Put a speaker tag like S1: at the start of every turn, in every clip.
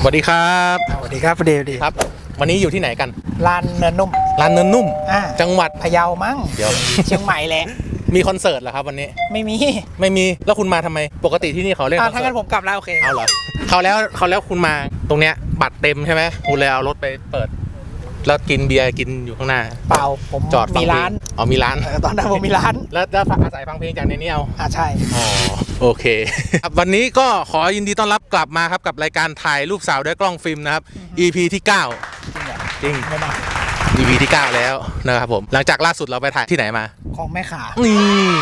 S1: สวัสดีครับ
S2: สวัสดีครับประเดี๋ยวดี
S1: ครับวันนี้อยู่ที่ไหนกัน
S2: ลานเนินนุ่ม
S1: จังหวัด
S2: พะเยามั้ง
S1: เดี๋ยว
S2: เชียงใหม่แหละ
S1: มีคอนเสิร์ตเหรอครับวันนี้
S2: ไม่มี
S1: แล้วคุณมาทำไมปกติที่นี่เขาเล่นคอนเสิร์ต
S2: ถ้างั้นผมกลับแล้วโอเค
S1: เอาเหรอเขาแล้วคุณมาตรงเนี้ยบัตรเต็มใช่ไหมคุณเลยเอารถไปเปิดแล้วกินเบียร์กินอยู่ข้างหน้า
S2: เปล่าผม
S1: จอด
S2: มีร้าน
S1: มีร้าน
S2: ตอนนั้นผมมีร้าน
S1: แล้วอาศัยฟังเพลงจากในนี้เอา
S2: ใช่
S1: อ๋อโอเคครับวันนี้ก็ขอยินดีต้อนรับกลับมาครับกับรายการถ่ายรูปสาวด้วยกล้องฟิล์มนะครับ EP ที่9จริง
S2: ไม่มา
S1: EP ที่9แล้วนะครับผมหลังจากล่าสุดเราไปถ่ายที่ไหนมา
S2: ของแม่ขา
S1: นี่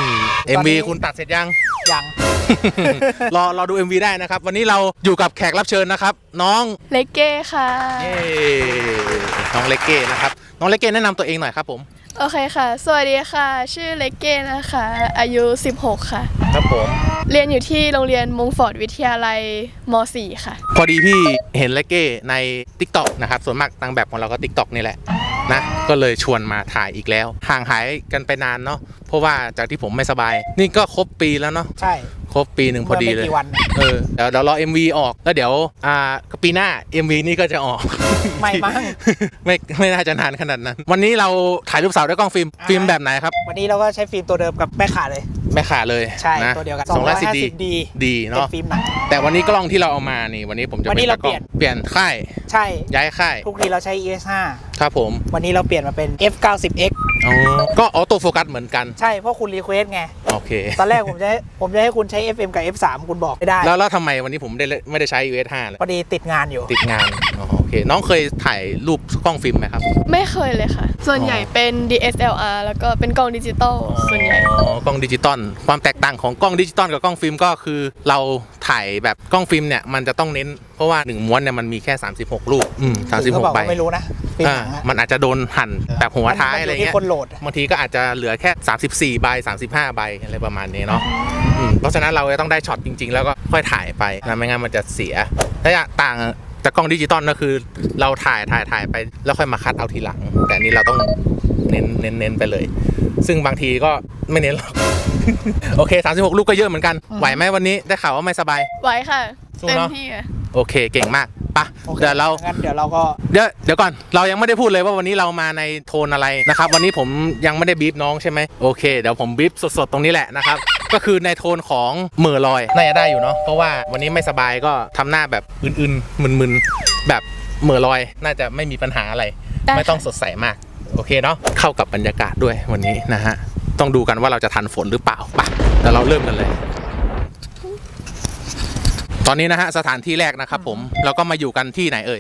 S1: MV คุณตัดเสร็จยังรอดู MV ได้นะครับวันนี้เราอยู่กับแขกรับเชิญนะครับน้อง
S3: เลเก้ค่ะ
S1: น้องเลเก้นะครับน้องเลเก้แนะนำตัวเองหน่อยครับผม
S3: โอเคค่ะสวัสดีค่ะชื่อเลเก้นะคะอายุ16ค่ะ
S1: ครับผม
S3: เรียนอยู่ที่โรงเรียนมงฟอร์ดวิทยาลัยม.4 ค่ะ
S1: พอดีพี่เห็นเลเก้ใน TikTok นะครับส่วนมากนางแบบของเราก็ TikTok นี่แหละนะก็เลยชวนมาถ่ายอีกแล้วห่างหายกันไปนานเนาะเพราะว่าจากที่ผมไม่สบายนี่ก็ครบปีแล้วเนาะ
S2: ใช่
S1: ครบปีหนึ่งพอดีเลยเดี๋ยวรอ MV ออกแล้วเดี๋ยวปีหน้า MV นี่ก็จะออก
S2: ไม่มั้ง
S1: ไม่น่าจะนานขนาดนั้นวันนี้เราถ่ายรูปสาวด้วยกล้องฟิล์มแบบไหนครับ
S2: วันนี้เราก็ใช้ฟิล์มตัวเดิมกับแม่ขาเลย
S1: ใช่
S2: ตัวเดียวกัน
S1: 250ดีเนาะ
S2: ฟิล์มหนัก
S1: แต่วันนี้กล้องที่เราเอามานี่วันนี้ผมจะเปลี่ยนค่าย
S2: ใช่
S1: ย้ายค่าย
S2: ทุกทีเราใช้ ES5
S1: ครับผม
S2: วันนี้เราเปลี่ยนมาเป็น F90X
S1: ก็ออโต้โฟกัสเหมือนกัน
S2: ใช่เพราะคุณรีเควสไง
S1: โอเค
S2: ตอนแรกผมจะให้คุณใช้ FM กับ F3 คุณบอกไม่ได้
S1: แล้วทำไมวันนี้ผมไม่ได้ใช้ ES5 เลย
S2: พอดีติดงาน
S1: โอเคน้องเคยถ่ายรูปกล้องฟิล์มไหมครับ
S3: ไม่เคยเลยค่ะส่วนใหญ่เป็น DSLR แล้วก็เป็นกล้องดิจิตอลส่วนใหญ่
S1: กล้องดิจิตอลความแตกต่างของกล้องดิจิตอลกับกล้องฟิล์มก็คือเราถ่ายแบบกล้องฟิล์มเนี่ยมันจะต้องเน้นเพราะว่า1ม้วนเนี่ยมันมีแค่36รูป36ใบ
S2: ไม่รู้นะ
S1: มันอาจจะโดนหั่นแบบหัวท้ายอะไรเงี้ยบางทีก็อาจจะเหลือแค่34ใบ35ใบอะไรประมาณนี้เนาะเพราะฉะนั้นเราจะต้องได้ช็อตจริงๆแล้วก็ค่อยถ่ายไปนะไม่งั้นมันจะเสียถ้าต่างจากกล้องดิจิตอลก็คือเราถ่ายไปแล้วค่อยมาคัดเอาทีหลังแต่นี่เราต้องเน้นไปเลยซึ่งบางทีก็ไม่เน้นหรอกโอเค36ลูกก็เยอะเหมือนกันไหวไหมวันนี้ได้ข่าวว่าไม่สบาย
S3: ไหวค่ะเต็มที่
S1: โอเคเก่งมากปะเดี๋ยว
S2: เราก็
S1: เดี๋ยวก่อนเรายังไม่ได้พูดเลยว่าวันนี้เรามาในโทนอะไรนะครับวันนี้ผมยังไม่ได้บีบน้องใช่ไหมโอเคเดี๋ยวผมบีบสดๆตรงนี้แหละนะครับก็คือในโทนของเหม่อลอยน่าจะได้อยู่เนาะเพราะว่าวันนี้ไม่สบายก็ทำหน้าแบบอื่นๆมึนๆแบบเหม่อลอยน่าจะไม่มีปัญหาอะไรไม่ต้องสดใสมากโอเคเนาะเข้ากับบรรยากาศด้วยวันนี้นะฮะต้องดูกันว่าเราจะทันฝนหรือเปล่าปะเดี๋ยวเราเริ่มกันเลยตอนนี้นะฮะสถานที่แรกนะครับผมเราก็มาอยู่กันที่ไหนเอ่ย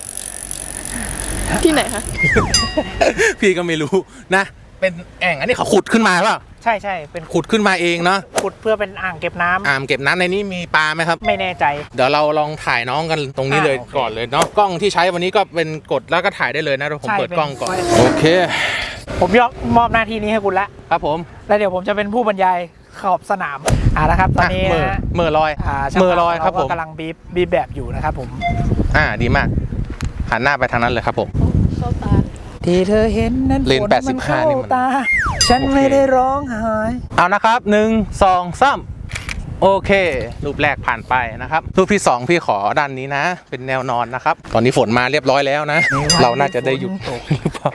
S3: ที่ไหนคะ
S1: พี่ก็ไม่รู้นะเป็นแอ่งอันนี้เขาขุดขึ้นมาเปล่า
S2: ใช่เป็น
S1: ขุดขึ้นมาเองเนาะ
S2: ขุดเพื่อเป็นอ่างเก็บน้
S1: ำในนี้มีปลาไหมครับ
S2: ไม่แน่ใจ
S1: เดี๋ยวเราลองถ่ายน้องกันตรงนี้เลยก่อนเลยเนาะกล้องที่ใช้วันนี้ก็เป็นกดแล้วก็ถ่ายได้เลยนะผมเปิดกล้องก่อนโอเค
S2: ผมมอบหน้าที่นี้ให้คุณละ
S1: ครับผม
S2: แล้วเดี๋ยวผมจะเป็นผู้บรรยายขอบสนามนะครับตอนนี้
S1: เมื่อลอยครับผม
S2: กำลังบีบแบบอยู่นะครับผม
S1: ดีมากหันหน้าไปทางนั้นเลยครับผม
S3: เข้าตา
S2: ที่เธอเห็นนั้น
S1: เลน85นี่มัน
S2: ฉันไม่ได้ร้องไห้
S1: เอานะครับ1 2 3โอเครูปแรกผ่านไปนะครับรูปที่2พี่ขอด้านนี้นะเป็นแนวนอนนะครับตอนนี้ฝนมาเรียบร้อยแล้วนะเราน่าจะได้หยุดหรือเปล่า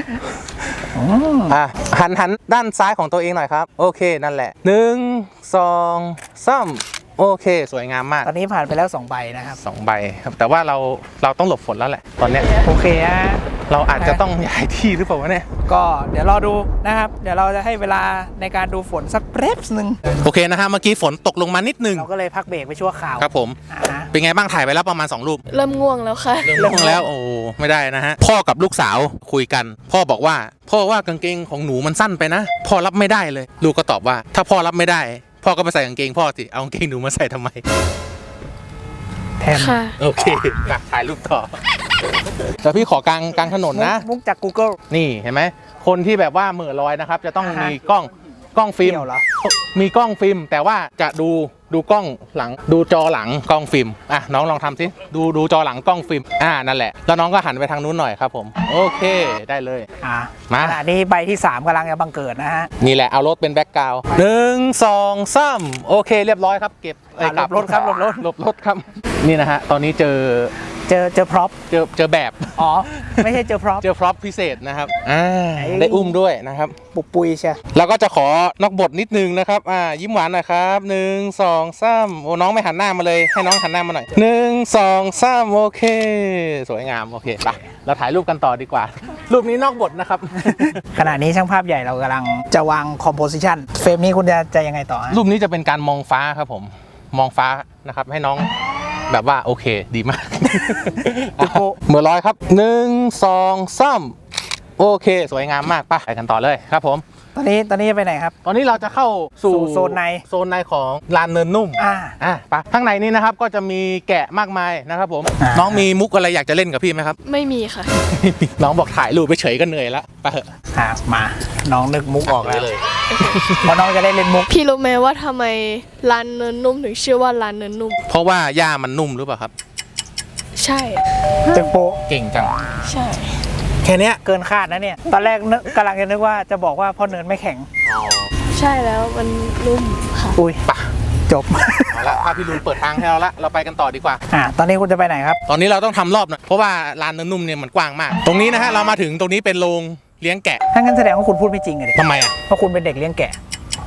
S1: หันด้านซ้ายของตัวเองหน่อยครับโอเคนั่นแหละ1 2 3โอเคสวยงามมาก
S2: ตอนนี้ผ่านไปแล้ว2ใบนะครับ
S1: 2ใบครับแต่ว่าเราต้องหลบฝนแล้วแหละตอนนี้
S2: โอเคฮะ
S1: เราอาจจะต้องย้ายที่หรือเปล่าวะเนี่ย
S2: ก็เดี๋ยวรอดูนะครับเดี๋ยวเราจะให้เวลาในการดูฝนสักแป๊บนึง
S1: โอเคนะฮะเมื่อกี้ฝนตกลงมานิดนึง
S2: เราก็เลยพักเบรกไปชั่วคราว
S1: ครับผมเป็นไงบ้างถ่ายไปแล้วประมาณ2รูป
S3: เริ่มง่วงแล้วค่ะ
S1: เริ่มง่วงแล้วโอ้ไม่ได้นะฮะพ่อกับลูกสาวคุยกันพ่อบอกว่ากางเกงของหนูมันสั้นไปนะพ่อรับไม่ได้เลยลูกก็ตอบว่าถ้าพ่อรับไม่ได้พ่อก็ไปใส่กางเกงพ่อสิเอากางเกงหนูมาใส่ทำไม
S2: แทน
S1: โอเคถ่ายรูปต่อแต่พี่ขอกลางถนนนะ
S2: มุกจาก Google
S1: นี่เห็นไหมคนที่แบบว่าเหม่อลอยนะครับจะต้องมีกล้องฟิล์มมีกล้องฟิล์มแต่ว่าจะดูกล้องหลังดูจอหลังกล้องฟิล์มน้องลองทำสิดูจอหลังกล้องฟิล์มนั่นแหละแล้วน้องก็หันไปทางนู้นหน่อยครับผมโอเคได้เลย
S2: มาอันนี้ใบที่3กำลังจะบังเกิดนะฮะ
S1: นี่แหละเอารถเป็นแบ็คกราวด์1 2 3โอเคเรียบร้อยครับเก็บ
S2: หลบรถครับ
S1: หลบรถครับนี่นะฮะตอนนี้เจอ
S2: เจอพร็อพ
S1: เจอแบบ
S2: อ๋อไม่ใช่เจอพร็อพ
S1: เจอพร็อพพิเศษนะครับได้อุ้มด้วยนะครับ
S2: ปุกปุยใช่
S1: แล้วก็จะขอนอกบทนิดนึงนะครับยิ้มหวานหน่อยครับ1 2 3โอ้น้องไม่หันหน้ามาเลยให้น้องหันหน้ามาหน่อย1 2 3โอเคสวยงามโอเคไปเราถ่ายรูปกันต่อดีกว่า รูปนี้นอกบทนะครับ
S2: ขณะนี้ช่างภาพใหญ่เรากำลังจะวางคอมโพสิชันเฟรมนี้คุณจะยังไงต่อฮะ
S1: รูปนี้จะเป็นการมองฟ้าครับผมมองฟ้านะครับให้น้องแบบว่าโอเคดีมาก เมื่อร้อยครับ1 2 3โอเคสวยงามมากไปกันต่อเลยครับผม
S2: ตอนนี้จะไปไหนครับ
S1: ตอนนี้เราจะเข้าสู่
S2: โซนใน
S1: โซนในของลานเนินนุ่มไปข้างในนี้นะครับก็จะมีแกะมากมายนะครับผมน้องมีมุกอะไรอยากจะเล่นกับพี่ไหมครับ
S3: ไม่มีค่ะ
S1: น้องบอกถ่ายรูปไปเฉยก็เหนื่อยแล้วไปเถอะ
S2: มาน้องนึกมุกออกแล้ว
S1: เลย
S2: เพราะน้องจะได้เล่นมุก
S3: พี่รู้ไหมว่าทำไมร้านเนินนุ่มถึงชื่อว่าร้านเนินนุ่ม
S1: เพราะว่าหญ้ามันนุ่มหรือเปล่าครับ
S3: ใช่
S2: จึงโปะ
S1: เก่งจัง
S3: ใช่
S1: แค่เนี้ย
S2: เกินคาดนะเนี่ยตอนแรกกำลังจะนึกว่าจะบอกว่าพ่อเนินไม่แข็ง
S3: ใช่แล้วมันนุ่มค่ะ
S2: อุ้ย
S1: ปะ
S2: จบ
S1: เอาละพาพี่ลุนเปิดทางให้เราละเราไปกันต่อดีกว่า
S2: ตอนนี้คุณจะไปไหนครับ
S1: ตอนนี้เราต้องทำรอบหน่อยเพราะว่าลานเนินนุ่มเนี่ยมันกว้างมาก ตรงนี้นะฮะเรามาถึงตรงนี้เป็นโรงเลี้ยงแกะ
S2: ถ้างั้นแสดงว่าคุณพูดไม่จริงเลย
S1: ทำไมอ่ะ
S2: เพราะคุณเป็นเด็กเลี้ยงแกะ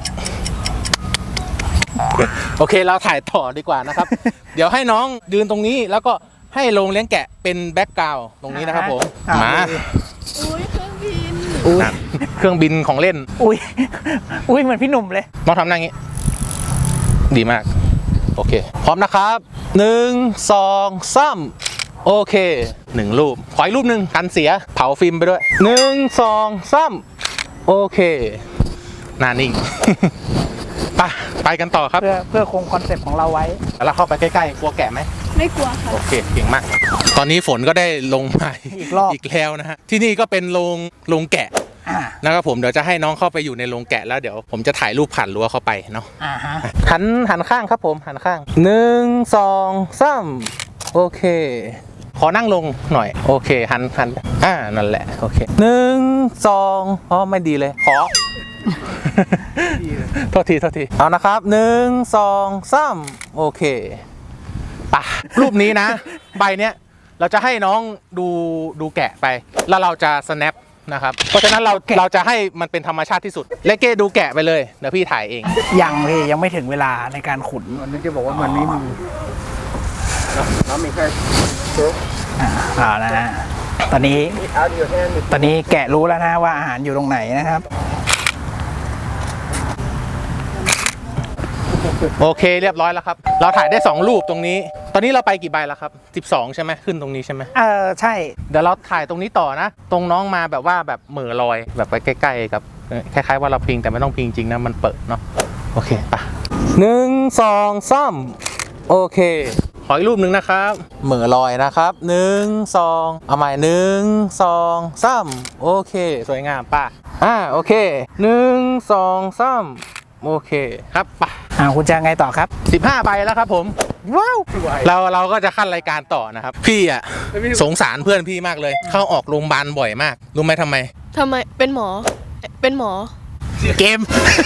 S1: โอเคเราถ่ายต่อดีกว่านะครับ เดี๋ยวให้น้องยืนตรงนี้แล้วก็ให้โรงเลี้ยงแกะเป็นแบ็กกราวด์ตรงนี้นะครับผมมา
S3: อุ้ยเครื่องบิน
S2: อุ้ย
S1: เครื่องบินของเล่น
S2: อุ้ยอุ้ยเหมือนพี่หนุ่มเลย
S1: น้องทำหน้าอย่างนี้ ดีมาก โอเค พร้อมนะครับ1 2 3โอเค1รูปขออีกรูปหนึ่งกันเสียเผาฟิล์มไปด้วย1 2 3โอเคหน้านิ่ง ไปกันต่อครับ
S2: เพื่อคงคอนเซ็ปต์ของเราไว้
S1: แล้วเราเข้าไปใกล้ๆกลัวแกะไหม
S3: ไม่กลัวค่ะ
S1: โอเคเก่งมาก ตอนนี้ฝนก็ได้ลงมา
S2: อีกรอบ
S1: อีกแล้วนะฮะที่นี่ก็เป็นโรงแกะ
S2: อ่า
S1: นะครับผมเดี๋ยวจะให้น้องเข้าไปอยู่ในโรงแกะแล้วเดี๋ยวผมจะถ่ายรูปผ่านรั้วเข้าไปเนาะ
S2: ฮะ
S1: หันข้างครับผมหันข้าง1 2 3โอเค ขอนั่งลงหน่อยโอเคหันนั่นแหละโอเค1 2อ๋อไม่ดีเลยขอ โทษทีเอานะครับ1 2 3โอเคปะรูปนี้นะ ใบเนี้ยเราจะให้น้องดูแกะไป แล้วเราจะ snap นะครับเพราะฉะนั้นเราจะให้มันเป็นธรรมชาติที่สุดเลเก้ดูแกะไปเลยเดี๋ยวพี่ถ่ายเอง
S2: ยังไม่ถึงเวลาในการขุนมันจะบอกว่ามันไม่มีน้องมีแค่นะฮะตอนนี้แกะรู้แล้วนะว่าอาหารอยู่ตรงไหนนะครับ
S1: โอเคเรียบร้อยแล้วครับเราถ่ายได้2รูปตรงนี้ตอนนี้เราไปกี่ใบแล้วครับ12ใช่ไหมขึ้นตรงนี้ใช่ไหม
S2: ใช่
S1: เดี๋ยวเราถ่ายตรงนี้ต่อนะตรงน้องมาแบบว่าแบบเหม่อลอยแบบไปใกล้ๆกับคล้ายๆว่าเราพิงแต่ไม่ต้องพิงจริงนะมันเปิดเนาะโอเคปะ1 2 3โอเคขออีกรูปหนึ่งนะครับเหม่อลอยนะครับ1 2เอาใหม่1 2 3โอเคสวยงามป่ะโอเค1 2 3โอเคครับป่ะ
S2: คุณจะไงต่อครับ
S1: 15ใบแล้วครับผมว้าวเราก็จะขั้นรายการต่อนะครับพี่อ่ะสงสารเพื่อนพี่มากเลยเข้าออกโรงพยาบาลบ่อยมากรู้ไหมทำไม
S3: ทำไมเป็นหมอ
S1: เกม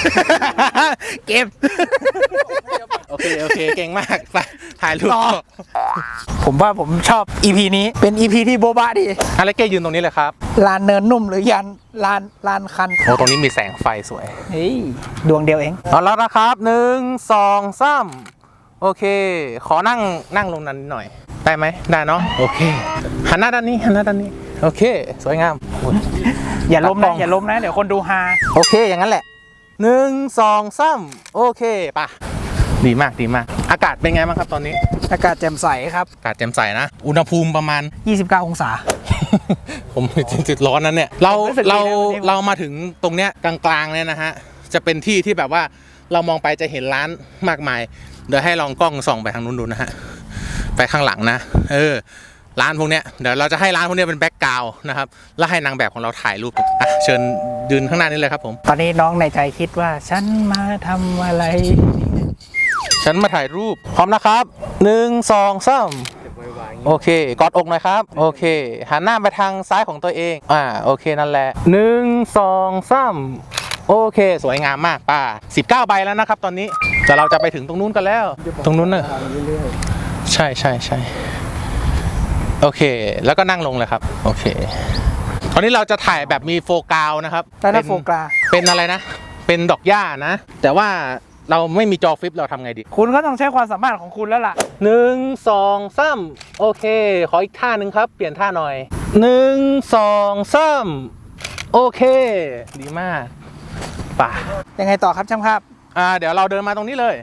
S1: โอเคเก่งมากไปถ่ายรูป
S2: ผมว่าผมชอบ EP นี้เป็น EP ที่โบ๊ะดี
S1: อะไรเก้ยืนตรงนี้เลยครับ
S2: ลานเนินนุ่มหรือลานคัน
S1: โอ้ตรงนี้มีแสงไฟสวย
S2: เฮ้ยดวงเดียวเอง
S1: เอาแล้วนะครับ1 2 3โอเคขอนั่งลงนั้นนิดหน่อยได้ไหมได้เนาะโอเคหันหน้าด้านนี้โอเคสวยงาม
S2: อย่าล้มนะเดี๋ยวคนดูฮา
S1: โอเคอย่างนั้นแหละ1 2 3โอเคป่ะดีมากอากาศเป็นไงบ้างครับตอนนี้
S2: อากาศแจ่มใสครับ
S1: อากาศแจ่มใสนะอุณหภูมิประมาณ
S2: 29 องศา
S1: ผมจุดร้อนนั้นเนี่ยเรามาถึงตรงเนี้ยกลางๆเนี่ยนะฮะจะเป็นที่ที่แบบว่าเรามองไปจะเห็นร้านมากมายเดี๋ยวให้ลองกล้องส่องไปทางนู้นดูนะฮะไปข้างหลังนะร้านพวกเนี้ยเดี๋ยวเราจะให้ร้านพวกเนี้ยเป็นแบ็คกราวด์นะครับแล้วให้นางแบบของเราถ่ายรูปเชิญยืนข้างหน้านี้เลยครับผม
S2: ตอนนี้น้องในใจคิดว่าฉันมาทำอะไร
S1: ฉันมาถ่ายรูปพร้อมนะครับ1 2 3โอเคกอดอกหน่อยครับโอเคหันหน้าไปทางซ้ายของตัวเองโอเคนั่นแหละ1 2 3โอเคสวยงามมากป้า19ใบแล้วนะครับตอนนี้แต่เราจะไปถึงตรงนู้นกันแล้วตรงนู้นเนอะใช่โอเค แล้วก็นั่งลงเลยครับโอเคตอนนี้เราจะถ่ายแบบมีโฟกัสนะครับ
S2: แต่ถ้าโฟกัส
S1: เป็นอะไรนะเป็นดอกหญ้านะแต่ว่าเราไม่มีจอฟลิปเราทำไงดี
S2: คุณก็ต้องใช้ความสามารถของคุณแล้วล่ะ
S1: 1 2 3โอเคขออีกท่าหนึ่งครับเปลี่ยนท่าหน่อย1 2 3โอเคดีมากป่ะ
S2: ยังไงต่อครับช่างภาพ
S1: เดี๋ยวเราเดินมาตรงนี้เลย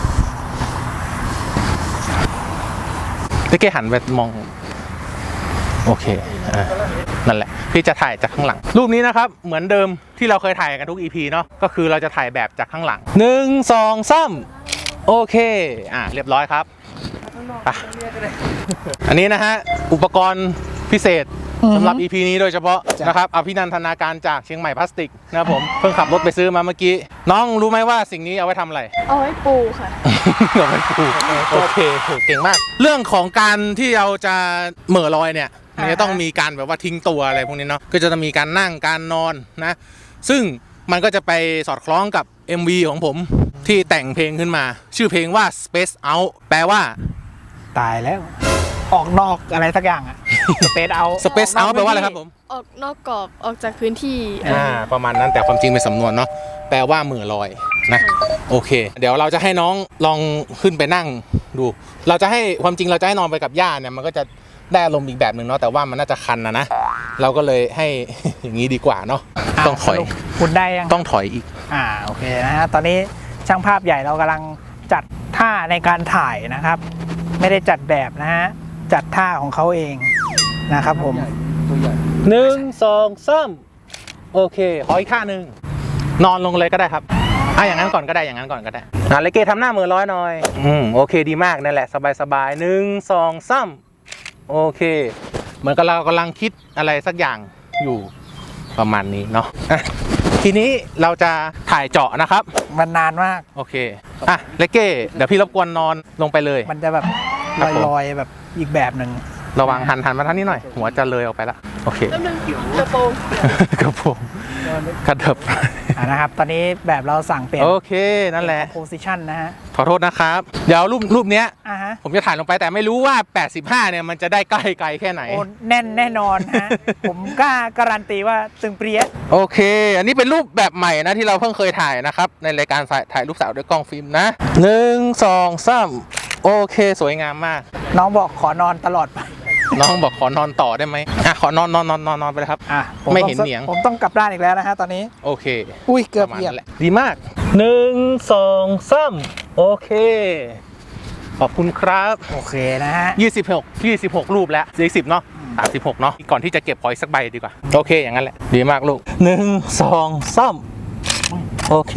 S1: พี่เกหันไปมองโอเคนั่นแหละพี่จะถ่ายจากข้างหลังรูปนี้นะครับเหมือนเดิมที่เราเคยถ่ายกันทุก EP เนาะก็คือเราจะถ่ายแบบจากข้างหลัง1 2 3โอเคเรียบร้อยครับไปอันนี้นะฮะอุปกรณ์พิเศษสำหรับ EP นี้โดยเฉพาะนะครับอภินันทนาการจากเชียงใหม่พลาสติกนะครับผมเพิ่งขับรถไปซื้อมาเมื่อกี้น้องรู้ไหมว่าสิ่งนี้เอาไว้ทำอะไร
S3: เอาไว้ปูค่ะ
S1: เอาไว้ปูโอเคเก่งมากเรื่องของการที่เราจะเหม่อลอยเนี่ยมันจะต้องมีการแบบว่าทิ้งตัวอะไรพวกนี้เนาะก็จะต้องมีการนั่งการนอนนะซึ่งมันก็จะไปสอดคล้องกับ MV ของผมที่แต่งเพลงขึ้นมาชื่อเพลงว่า Space Out แปลว่า
S2: ตายแล้ว ออกนอกอะไรสักอย่างอะ Space Out
S1: Space Out แปลว่าอะไรครับผม
S3: ออกนอกกรอบออกจากพื้นที่
S1: ประมาณนั้นแต่ความจริงเป็นสำนวนเนาะแปลว่าเหม่อลอยนะโอเค เดี๋ยวเราจะให้น้องลองขึ้นไปนั่งดูเราจะให้ความจริงเราจะให้นอนไปกับย่าเนี่ยมันก็จะได้อารมณ์อีกแบบหนึ่งเนาะแต่ว่ามันน่าจะคันนะเราก็เลยให้ อย่างนี้ดีกว่าเนาะต้องถอย
S2: คุณได้ยัง
S1: ต้องถอยอีก
S2: โอเคนะฮะตอนนี้ช่างภาพใหญ่เรากำลังจัดท่าในการถ่ายนะครับ ไม่ได้จัดแบบนะฮะจัดท่าของเขาเองนะครับผม
S1: 1 2 3โอเคขออีกท่าหนึ่งนอนลงเลยก็ได้ครับอย่างนั้นก่อนก็ได้อย่างนั้นก่อนก็ได้เลเกทำหน้ามือร้อยหน่อยโอเคดีมากนั่นแหละสบายๆ1 2 3โอเคเหมือนกับเรากำลังคิดอะไรสักอย่างอยู่ประมาณนี้เนาะทีนี้เราจะถ่ายเจาะนะครับ
S2: มันนานมาก
S1: โอเคเลเก้เดี๋ยวพี่รบกวนนอนลงไปเลย
S2: มันจะแบบลอยๆแบบอีกแบบหนึ่ง
S1: ระวังหันมาทางนี้หน่อยหัวจะเลยออกไปละโอเค
S3: แล้วนึงกระโปรง
S1: กระโปรงกระเถิบ
S2: นะครับตอนนี้แบบเราสั่งเปลี่ยน
S1: โอเคนั่นแหละ
S2: โพสิชันนะฮะ
S1: ขอโทษนะครับเดี๋ยวรูปเนี้ย
S2: ฮะ
S1: ผมจะถ่ายลงไปแต่ไม่รู้ว่า85เนี่ยมันจะได้ใกล้ไกลแค่ไหน
S2: โอ้แน่นแน่นอนฮะ ผมกล้าการันตีว่าตึงเปรี้ย
S1: โอเค อันนี้เป็นรูปแบบใหม่นะที่เราเพิ่งเคยถ่ายนะครับในรายการถ่ายรูปสาวด้วยกล้องฟิล์มนะ1 2 3โอเคสวยงามมาก
S2: น้องบอกขอนอนตลอดไป
S1: น้องบอกขอนอนต่อได้ไหมขอนอนไปเลยครับ
S2: ผม
S1: ไม่เห็นเหนียง
S2: ผมต้องกลับด้านอีกแล้วนะฮะตอนนี้
S1: โอเค
S2: อุ้ยเกือบ
S1: ประมาณ
S2: เหยียบ
S1: นั้นแหละดีมาก1 2 3โอเคขอบคุณครับ
S2: โอเคนะฮะ
S1: 26รูปแล้ว40เนาะ36เนาะก่อนที่จะเก็บขออีกสักใบดีกว่าโอเคอย่างนั้นแหละดีมากลูก1 2 3โอเค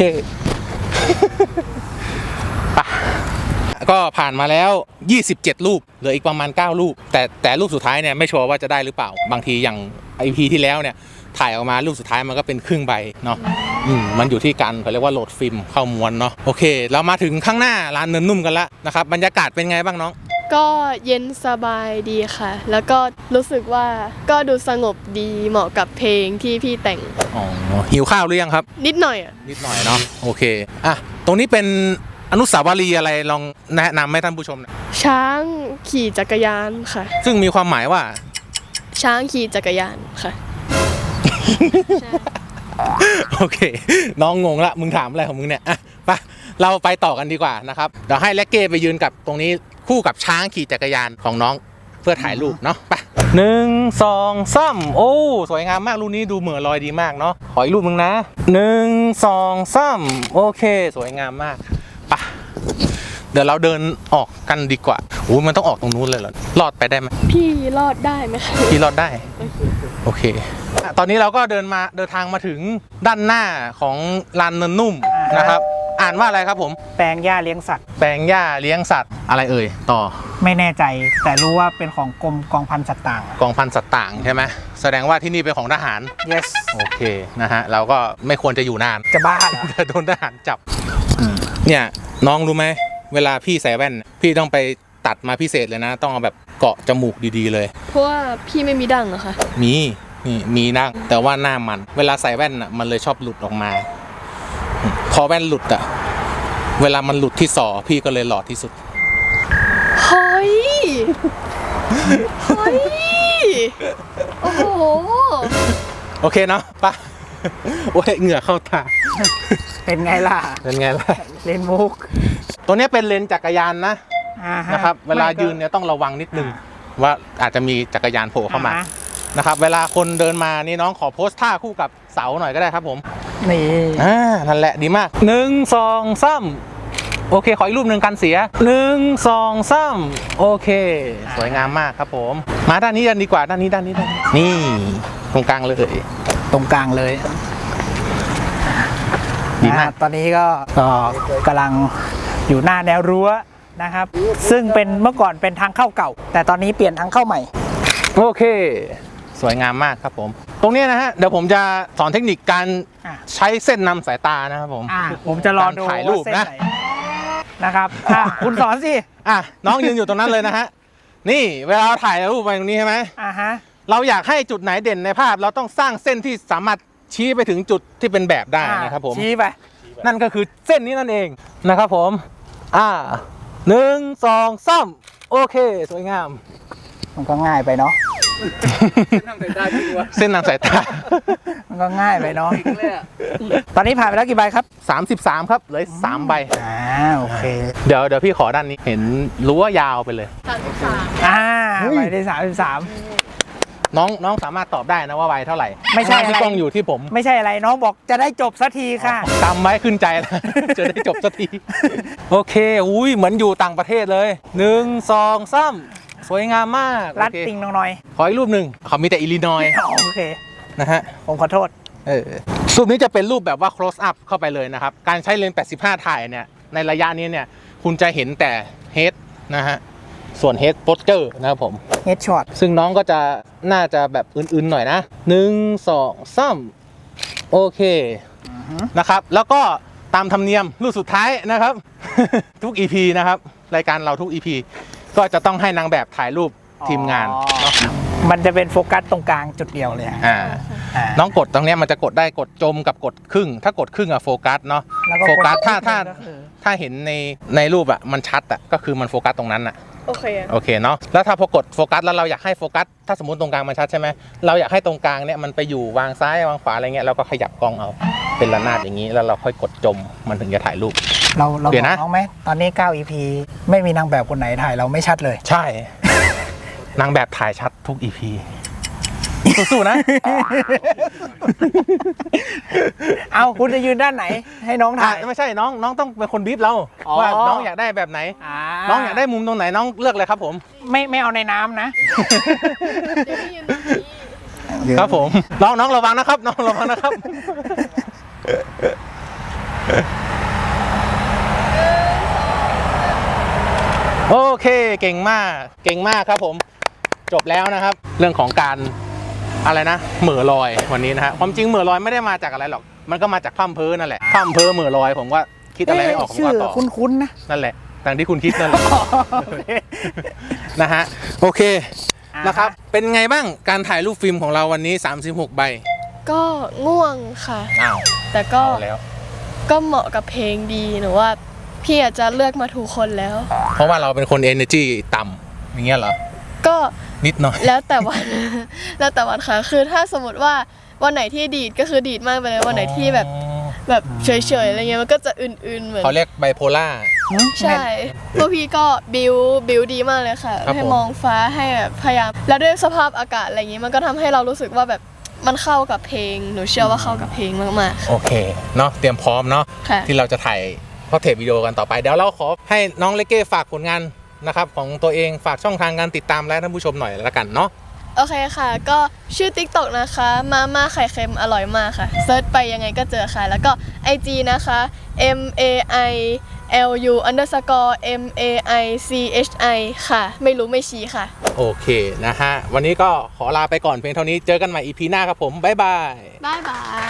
S1: ก็ผ่านมาแล้ว27รูปเหลืออีกประมาณ9รูปแต่รูปสุดท้ายเนี่ยไม่ชัวร์ว่าจะได้หรือเปล่าบางทีอย่าง EP ที่แล้วเนี่ยถ่ายออกมารูปสุดท้ายมันก็เป็นครึ่งใบเนาะมันอยู่ที่การเขาเรียกว่าโหลดฟิล์มเข้าม้วนเนาะโอเคเรามาถึงข้างหน้าร้านเนินนุ่มกันแล้วนะครับบรรยากาศเป็นไงบ้างน้อง
S3: ก็เย็นสบายดีค่ะ แล้วก็รู้สึกว่าก็ดูสงบดีเหมาะกับเพลงที่พี่แต่ง
S1: หิวข้าวหรือยังครับ
S3: นิดหน่อยอ่ะ
S1: นิดหน่อยเนาะโอเคตรงนี้เป็นอนุสาวรีย์อะไรลองแนะนำให้ท่านผู้ชมนะ
S3: ช้างขี่จักรยานค่ะ
S1: ซึ่งมีความหมายว่า
S3: ช้างขี่จักรยานค่ะ ใช่
S1: โอเคน้องงงละมึงถามอะไรของมึงเนี่ยไปเราไปต่อกันดีกว่านะครับเดี๋ยวให้แล็กเก้ไปยืนกับตรงนี้คู่กับช้างขี่จักรยานของน้องเพื่อถ่ายรูปเนาะไป1 2 3โอ้สวยงามมากรูปนี้ดูเหมือนลอยดีมากเนาะขออีกรูปนึงนะ1 2 3โอเคสวยงามมากไปเดี๋ยวเราเดินออกกันดีกว่ามันต้องออกตรงนู้นเลยเหรอรอดไปได้ไหม
S3: พี่รอดได้ไหมคะ
S1: พี่รอดได้โอเคตอนนี้เราก็เดินทางมาถึงด้านหน้าของลานเนินนุ่มนะครับอ่านว่าอะไรครับผม
S2: แปลงหญ้าเลี้ยงสัตว์
S1: แปลงหญ้าเลี้ยงสัตว์อะไรเอ่ยต่อ
S2: ไม่แน่ใจแต่รู้ว่าเป็นของกรมกองพันสัตว์ต่าง
S1: กองพันสัตว์ต่างใช่ไหมแสดงว่าที่นี่เป็นของทหาร
S2: yes
S1: โอเคนะฮะเราก็ไม่ควรจะอยู่นาน
S2: จะบ้าเหรอ
S1: จะโดนทหารจับเนี่ยน้องรู้ไหมเวลาพี่ใส่แว่นพี่ต้องไปตัดมาพิเศษเลยนะต้องเอาแบบเกาะจมูกดีๆเลย
S3: เพราะว่าพี่ไม่มีดั้งเหรอคะ
S1: มีนั่งแต่ว่าหน้ามันเวลาใส่แว่นอ่ะมันเลยชอบหลุดออกมาพอแว่นหลุดอ่ะเวลามันหลุดที่ศอพี่ก็เลยหลอดที่สุด
S3: เฮ้ยเฮ้ย โอ้โห
S1: โอเคเนาะไปโอ้ยเหงื่อเข้าตา
S2: เป็นไงล่ะ
S1: เป็นไงล่ะ
S2: เลนมุก
S1: ตัวนี้เป็นเลนจักรยานนะ
S2: อ่าฮ
S1: นะครับเวลายืนเนี่ยต้องระวังนิดนึงว่าอาจจะมีจักรยานโผล่เข้ามา
S2: อ่าฮะ
S1: นะครับเวลาคนเดินมานี่น้องขอโพสท่าคู่กับเสาหน่อยก็ได้ครับผม
S2: นี่
S1: นั่นแหละดีมาก1 2 3โอเคขออีกรูปหนึ่งกันเสีย1 2 3โอเค สวยงามมากครับผมมาด้านนี้กันดีกว่าด้านนี้นี่ตรงกลางเลย
S2: ตรงกลางเลย
S1: ดีมาก
S2: ตอนนี้ก็กำลังอยู่หน้าแนวรั้วนะครับ ซึ่งเป็นเมื่อก่อนเป็นทางเข้าเก่า แต่ตอนนี้เปลี่ยนทางเข้าใหม่
S1: โอเค สวยงามมากครับผมตรงนี้นะฮะเดี๋ยวผมจะสอนเทคนิคการ
S2: อ่ะ
S1: ใช้เส้นนำสายตานะครับผม
S2: ผมจะรอดู
S1: การถ่ายรูป
S2: ว่าเส้น
S1: นะ
S2: ไหนนะครับคุณสอนสิ
S1: น้องยืนอยู่ตรงนั้นเลยนะฮะนี่เวลาเราถ่ายรูปไปตรงนี้ใช่ไหม
S2: ฮะ
S1: เราอยากให้จุดไหนเด่นในภาพ เราต้องสร้างเส้นที่สามารถชี้ไปถึงจุดที่เป็นแบบได้นะครับผม
S2: ชี้ไป
S1: นั่นก็คือเส้นนี้นั่นเองนะครับผม1 2 3โอเคสวยงาม
S2: มันก็ง่ายไปเนาะ
S1: เส้นนำสายตา
S2: มันก็ง่ายไปเนาะตอนนี้ผ่านไปแล้วกี่ใบครับ
S1: 33ครับเหลือ3ใบ
S2: โอเค
S1: เดี๋ยวพี่ขอด้านนี้เห็นรั้วยาวไปเลย
S2: ใบที่33
S1: น้องสามารถตอบได้นะว่าใบเท่าไหร่
S2: ไม่ใช่
S1: ที่
S2: อะไร
S1: กล้องอยู่ที่ผม
S2: ไม่ใช่อะไรน้องบอกจะได้จบสักทีค่ะ
S1: จำไว้ขึ้นใจแล้ว จะได้จบสักที โอเคอุ้ยเหมือนอยู่ต่างประเทศเลย1 2 3สวยงามมาก
S2: รัด
S1: โอเค
S2: ติงน้อย
S1: ขออีกรูปหนึ่งเขามีแต่อิลลินอย
S2: โอเค
S1: นะฮะ
S2: ผมขอโทษ
S1: รูปนี้จะเป็นรูปแบบว่า close up เข้าไปเลยนะครับ การใช้เลนส์85 ถ่ายเนี่ยในระยะนี้เนี่ยคุณจะเห็นแต่ head นะฮะส่วน head posture นะครับผม
S2: เฮดช็อต
S1: ซึ่งน้องก็จะน่าจะแบบอื่นๆหน่อยนะ1 2 3โอเคนะครับแล้วก็ตามธรรมเนียมรูปสุดท้ายนะครับ ทุก EP นะครับรายการเราทุก EP ก็จะต้องให้นางแบบถ่ายรูปทีมงานเนาะ
S2: มันจะเป็นโฟกัสตรงกลางจุดเดียวเลยฮะ
S1: น้องกดตรงเนี้ยมันจะกดได้กดจมกับกดครึ่ง ถ้ากดครึ่งอะโฟกัสเนาะ
S2: แล้วก็
S1: โฟกัส
S2: กด
S1: ถ้าเห็นในรูปอะมันชัดอะก็คือมันโฟกัสตรงนั้นอะ
S3: โอเค
S1: โอเคเนาะแล้วถ้าพอกดโฟกัสแล้วเราอยากให้โฟกัสถ้าสมมติตรงกลางมันชัดใช่ไหมเราอยากให้ตรงกลางเนี่ยมันไปอยู่วางซ้ายวางขวาอะไรเงี้ยเราก็ขยับกล้องเอาเป็นระนาดอย่างนี้แล้วเราค่อยกดจมมันถึงจะถ่ายรูป
S2: เราบ
S1: เดี๋
S2: อย ก
S1: วนะ
S2: น้องไหมตอนนี้9 EP ไม่มีนางแบบคนไหนถ่ายเราไม่ชัดเลย
S1: ใช่ นางแบบถ่ายชัดทุก EP สู้ๆนะ
S2: เอาคุณจะยืนด้านไหน ให้น้องถ่าย
S1: ไม่ใช่น้องต้องเป็นคนบีบเรา
S2: อ๋อ
S1: ว่าน้องอยากได้แบบไหน น้องอยากได้มุมตรงไหนน้องเลือกเลยครับผม
S2: ไม่เอาในน้ำนะ
S3: เดี๋ยวพี่ยืนตรงนี้
S1: ครับผมน้องระวังนะครับน้องระวังนะครับ โอเคเก่งมากครับผมจบแล้วนะครับ เรื่องของการอะไรนะเหม่อลอยวันนี้นะฮะความจริงเหม่อลอยไม่ได้มาจากอะไรหรอกมันก็มาจากพร่ำเพ้อนั่นแหละพร่ำเพ้อเหม่อลอยผมว่าคิดอะไรไม่ออกผม
S2: ชื่อ
S1: ก็ตอบ
S2: คุ้นๆนะ
S1: นั่นแหละตามที่คุณคิดนั่นแหละ นะฮะโอเคนะครับเป็นไงบ้างการถ่ายรูปฟิล์มของเราวันนี้36ใบ
S3: ก็ง่วงค่ะ
S1: อ้าว
S3: แต่ก็
S1: เอาแล้ว
S3: ก็เหมาะกับเพลงดีหนูว่าพี่อาจจะเลือกมาถูกคนแล้ว
S1: เพราะว่าเราเป็นคน energy ต่ำอย่างเงี้ยเหรอ
S3: ก็
S1: นิดหน่อย
S3: แล้วแต่วัน แล้วแต่วันค่ะ คือถ้าสมมติว่าวันไหนที่ดีดก็คือดีดมากไปเลยวันไหนที่แบบเฉยๆอะไรเงี้ยมันก็จะอื่นๆเหมือน
S1: เขาเรียกไบโพล่า
S3: ใช่พวกพี่ก็บิวดีมากเลยค่ะ
S1: ครับ
S3: ให้
S1: ผม
S3: มองฟ้าให้แบบพยายามแล้วด้วยสภาพอากาศอะไรอย่างงี้มันก็ทำให้เรารู้สึกว่าแบบมันเข้ากับเพลงหนูเชื่อว่าเข้ากับเพลงมาก
S1: โอเคเนาะเตรียมพร้อมเนาะ
S3: ๆค่ะ
S1: ที่เราจะถ่ายข้อเทปวิดีโอกันต่อไปเดี๋ยวเราขอให้น้องเลเก้ฝากผลงานนะครับของตัวเองฝากช่องทางการติดตามและท่านผู้ชมหน่อยละกันเนาะ
S3: โอเคค่ะ ก็ชื่อ TikTok นะคะมาม่าไข่เค็มอร่อยมากค่ะเซิร์ชไปยังไงก็เจอค่ะ แล้วก็ IG นะคะ MAILU_MAICHI ค่ะ ไม่รู้ไม่ชี้ค่ะ
S1: โอเคนะฮะวันนี้ก็ขอลาไปก่อนเพียงเท่านี้เจอกันใหม่ EP หน้าครับผมบ๊ายบาย
S3: บ๊ายบาย